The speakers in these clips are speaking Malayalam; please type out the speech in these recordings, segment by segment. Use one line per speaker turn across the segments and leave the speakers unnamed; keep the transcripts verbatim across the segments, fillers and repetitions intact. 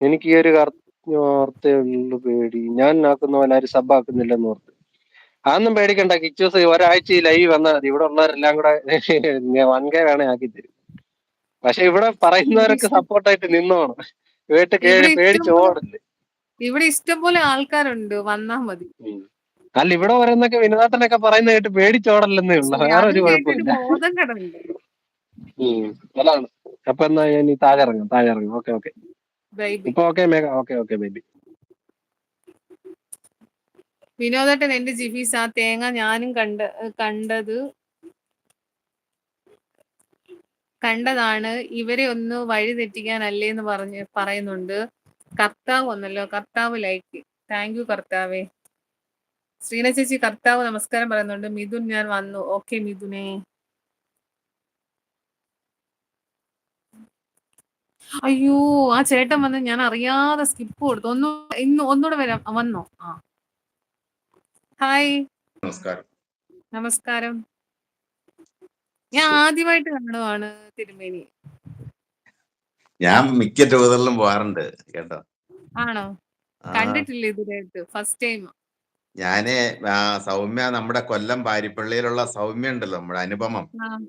എനിക്ക് ഈ ഒരു വാർത്തയേ ഉള്ളു പേടി. ഞാൻ ആക്കുന്ന പോലെ ആരും സബ് ആക്കുന്നില്ലെന്ന് ഓർത്ത്. അതൊന്നും പേടിക്കണ്ട കിച്ചൂസ്, ഒരാഴ്ച ഈ ലൈവ് വന്നാൽ മതി. ഇവിടെ ഉള്ളവരെല്ലാം കൂടെ വൺ കെ വേണേ ആക്കി തരും. പക്ഷെ ഇവിടെ
ഇവിടെ
പറയുന്നവരൊക്കെ
ഇഷ്ടം
സപ്പോർട്ടായിട്ട് നിന്നോണം. വീട്ട്
ഇവിടെ
കേറി പേടിച്ച്
ഇഷ്ടംപോലെ
ഓടല്ലേ.
ഇവിടെ ഇഷ്ടംപോലെ ആൾക്കാരുണ്ട്, വന്നാ മതി.
ഉം. അല്ല ഇവിടെ പറയുന്നൊക്കെ വിനോദാട്ടനൊക്കെ പറയുന്ന കേട്ട് പേടിച്ചോടല്ലെന്നേ ഉള്ളു,
ശരി,
വേറെ
അതും
ഒരു
കേട്ടിട്ട്
കുഴപ്പമില്ല.
ബോധം കെടണ്ട്.
ഉം. അതാണ്. അപ്പൊ എന്നാ ഞാൻ ഈ താഴെ ഇറങ്ങാം, താഴെ ഇറങ്ങാം. Okay okay.
ബൈബി
ഇപ്പൊ okay Megha, okay okay baby.
വിനോദേട്ടൻ എന്റെ ജിഫീസ്, ആ തേങ്ങ ഞാനും കണ്ട കണ്ടത് കണ്ടതാണ്. ഇവരെ ഒന്ന് വഴി തെറ്റിക്കാനല്ലേന്ന് പറഞ്ഞ് പറയുന്നുണ്ട്. കർത്താവ് വന്നല്ലോ, കർത്താവ് ലൈക്ക്. താങ്ക് യു കർത്താവേ. ശ്രീന ചേച്ചി കർത്താവ് നമസ്കാരം പറയുന്നുണ്ട്. മിഥുൻ ഞാൻ വന്നു. ഓക്കെ മിഥുനെ. അയ്യോ, ആ ചേട്ടൻ വന്ന് ഞാൻ അറിയാതെ സ്കിപ്പ് കൊടുത്തു. ഒന്ന് ഇന്ന് ഒന്നുകൂടെ വരാം. വന്നോ? ആ, ഹായ്
നമസ്കാരം.
നമസ്കാരം. ഞാൻ ആദ്യമായിട്ട് കാണുവാണ് തിരുമേനി.
ഞാൻ മിക്ക ടൂറിലും പോകാറുണ്ട് കേട്ടോ.
ആണോ? കണ്ടിട്ടില്ല ഇതുവരെയായിട്ട്, ഫസ്റ്റ് ടൈം.
ഞാന് സൗമ്യ, നമ്മുടെ കൊല്ലം പാരിപ്പള്ളിയിലുള്ള സൗമ്യ ഉണ്ടല്ലോ, നമ്മുടെ അനുപമം,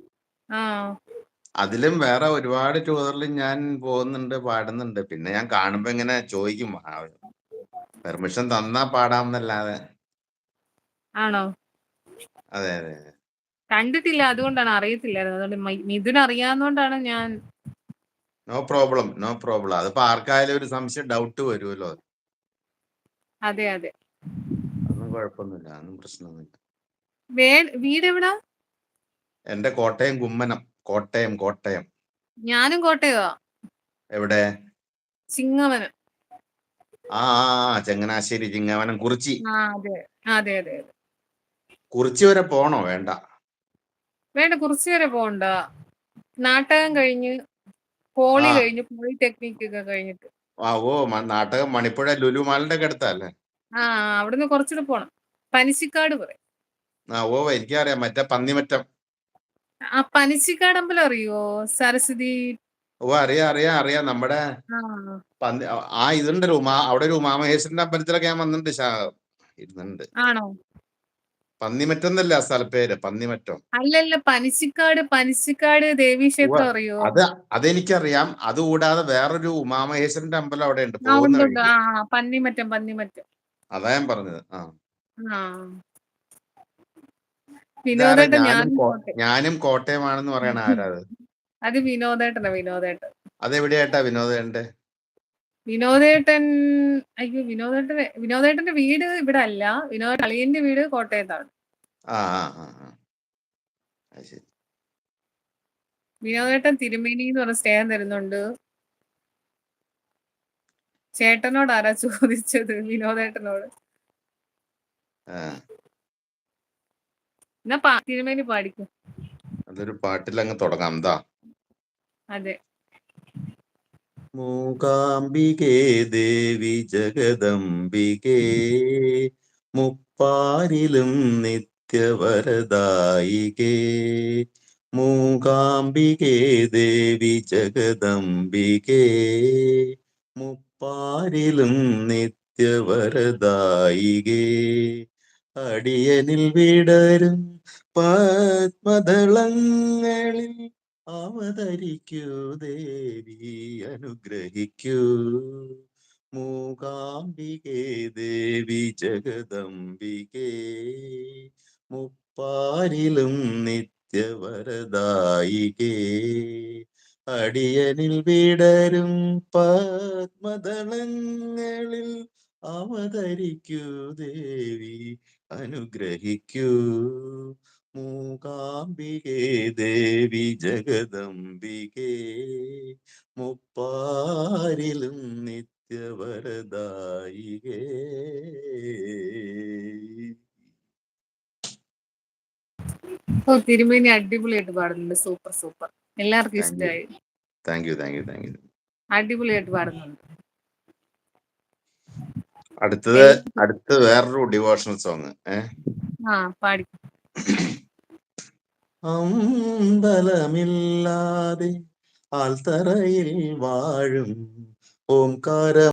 അതിലും വേറെ ഒരുപാട് ടൂറിലും ഞാൻ പോകുന്നുണ്ട്, പാടുന്നുണ്ട്. പിന്നെ ഞാൻ കാണുമ്പോ ഇങ്ങനെ ചോദിക്കും, പെർമിഷൻ തന്നാ പാടാമെന്നല്ലാതെ.
ആണോ?
അതെ അതെ.
കണ്ടിട്ടില്ല, അതുകൊണ്ടാണ്, അറിയത്തില്ലായിരുന്നു. അതുകൊണ്ട് മിഥുൻ അറിയാവുന്നോണ്ടാണ് ഞാൻ.
No problem, no problem. അതിപ്പോ ആർക്കായാലും ഒരു സംശയം, ഡൗട്ട് വരുമല്ലോ.
അതെ അതെ,
അതൊന്നും കുഴപ്പമൊന്നുമില്ല, അതൊന്നും പ്രശ്നമൊന്നുമില്ല.
വീട് എവിടാ?
എന്റെ കോട്ടയം കുമ്മനം. കോട്ടയം കോട്ടയം.
ഞാനും കോട്ടയവാ.
എവിടെ?
ചിങ്ങവനം.
ആ ചങ്ങനാശ്ശേരി, ചിങ്ങവനം, കുറിച്ചി.
ആ അതെ അതെ അതെ.
കുറിച്ചി വരെ പോണോ? വേണ്ട
വേണ്ട, കുറിച്ചി വരെ പോണ്ട. നാട്ടകം കഴിഞ്ഞ്, പോളി കഴിഞ്ഞ്, പോളിടെക്നിക് ഒക്കെ കഴിഞ്ഞിട്ട്.
ആ ഓ, നാട്ടകം മണിപ്പുഴ ലുലു മാളിന്റെ ഒക്കെ അടുത്തല്ലേ?
ആ, അവിടുന്ന് കുറച്ചുകൂടെ പോണം. പനിച്ചിക്കാട് പറയും.
ആ ഓ, എനിക്കറിയാം, മറ്റേ പന്നിമറ്റം.
ആ പനിച്ചിക്കാട് അമ്പലം അറിയോ? സരസ്വതി.
ഓ അറിയാം അറിയാം അറിയാം. നമ്മുടെ ആ ഇതുണ്ടല്ലോ, അവിടെ ഒരു ഉമാമഹേശ്വരന്റെ അമ്പലത്തിലൊക്കെ ഞാൻ വന്നിട്ടുണ്ട്, ഇരുന്നുണ്ട്.
ആണോ?
പന്നിമറ്റം എന്നല്ല സ്ഥലപ്പേര്, പന്നിമറ്റം.
അല്ലല്ല, പനിച്ചിക്കാട്. പനിച്ചിക്കാട് ദേവീക്ഷേത്രം അറിയോ?
അത് അതെനിക്കറിയാം. അതുകൂടാതെ വേറൊരു ഉമാമഹേശ്വരന്റെ അമ്പലം അവിടെ ഉണ്ട്, പോകുന്ന വഴിക്ക്.
പന്നിമറ്റം പന്നിമറ്റം
അതാ ഞാൻ പറഞ്ഞത്. ആ
വിനോദേട്ടൻ.
ഞാനും കോട്ടയമാണെന്ന് പറയണ ആരാ?
അത് വിനോദേട്ടനാ. വിനോദേട്ടൻ
അതെവിടെയായിട്ടാ വിനോദേട്ടന്റെ?
വിനോദേട്ടൻ അയ്യോ, വിനോദേട്ടന്റെ വിനോദേട്ടന്റെ വീട് ഇവിടെ അല്ല. വിനോദ അളിയന്റെ വീട് കോട്ടയത്താണ്.
ആ ആ ശരി.
വിനോദേട്ടൻ തിരുമേനി എന്ന് പറഞ്ഞ സ്നേഹം തരുന്നുണ്ട്. ചേട്ടനോട് ആരാ ചോദിച്ചത്? വിനോദേട്ടനോട്. എന്നാ തിരുമേനി പാടിക്കും.
അതൊരു പാട്ടിൽ അങ്ങ് തുടങ്ങാം. എന്താ?
അതെ.
മൂകാംബികേ ദേവി ജഗദംബികേ, മുപ്പാരിലും നിത്യവരദായികേ. മൂകാംബികേ ദേവി ജഗദംബികേ, മുപ്പാരിലും നിത്യവരദായികേ. അടിയനിൽ വിടരും പത്മദളങ്ങളിൽ അവതരിക്കൂ ദേവി, അനുഗ്രഹിക്കൂ. മൂകാംബികേ ദേവി ജഗദംബികേ, മുപ്പാരിലും നിത്യവരദായികേ. അടിയനിൽ വിടരും പത്മദളങ്ങളിൽ അവതരിക്കൂ ദേവി, അനുഗ്രഹിക്കൂ. മൂകാംബികേ ദേവി ജഗദംബികേ, മുപ്പാരിലും നിത്യവരദായികേ.
ഓ, തിരുമേനി അടിപൊളിയായിട്ട് പാടുന്നുണ്ട്. Super super. എല്ലാവർക്കും ഇഷ്ടമായി.
Thank you thank you thank you.
അടിപൊളിയായിട്ട് പാടുന്നുണ്ട്.
അടുത്തത് അടുത്ത് വേറൊരു ഡിവോഷണൽ സോങ്.
ആ പാടി.
അമ്പലമില്ലാതെ ആൽത്തറയിൽ വാഴും ഓംകാര